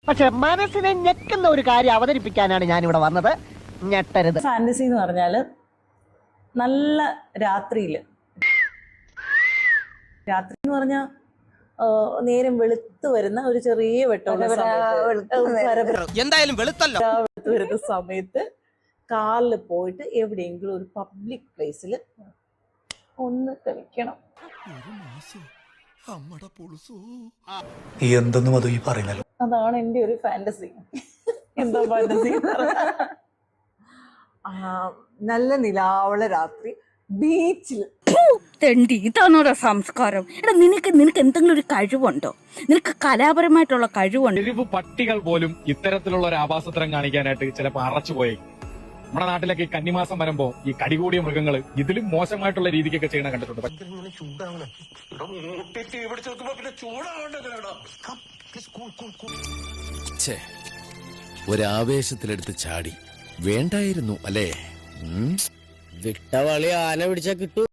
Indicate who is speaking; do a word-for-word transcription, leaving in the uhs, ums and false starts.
Speaker 1: പക്ഷെ മനസ്സിനെ ഞെക്കുന്ന ഒരു കാര്യം അവതരിപ്പിക്കാനാണ് ഞാൻ ഇവിടെ വന്നത്. ഞെട്ടരുത്.
Speaker 2: ഫാന്റസി എന്ന് പറഞ്ഞാല് നല്ല രാത്രിയില്, രാത്രി എന്ന് പറഞ്ഞാൽ നേരം വെളുത്ത് വരുന്ന ഒരു ചെറിയ വെട്ടമുള്ള
Speaker 3: എന്തായാലും വെളുത്തല്ലോ
Speaker 2: വെളുത്ത് വരുന്ന സമയത്ത് കാറിൽ പോയിട്ട് എവിടെയെങ്കിലും ഒരു പബ്ലിക് പ്ലേസിൽ ഒന്ന് കളിക്കണം.
Speaker 4: എന്തെന്നും അത് ഈ പറയുന്നല്ലോ.
Speaker 2: അതാണ് എൻ്റെ ഒരു ഫാന്റസി. എന്താ ഫാന്റസി? നല്ല നിലാവുള്ള രാത്രി ബീച്ചിൽ.
Speaker 5: തെണ്ടി, ഇതാണോടാ സംസ്കാരം? എടാ, നിനക്ക് നിനക്ക് എന്തെങ്കിലും ഒരു കഴിവുണ്ടോ? നിനക്ക് കലാപരമായിട്ടുള്ള കഴിവുണ്ടോ?
Speaker 6: തെരുവ് പട്ടികൾ പോലും ഇത്തരത്തിലുള്ള ഒരു ആഭാസത്തരം കാണിക്കാനായിട്ട് ചിലപ്പോൾ അറച്ചു പോയി. നമ്മുടെ നാട്ടിലൊക്കെ ഈ കന്നിമാസം വരുമ്പോ ഈ കടികൂടിയ മൃഗങ്ങള് ഇതിലും മോശമായിട്ടുള്ള രീതിക്കൊക്കെ ചെയ്യണ കണ്ടിട്ടുണ്ട്.
Speaker 7: ഒരാവേശത്തിലെടുത്ത് ചാടി വേണ്ടായിരുന്നു അല്ലേ? വിട്ടവളി ആന പിടിച്ചാ കിട്ടൂ.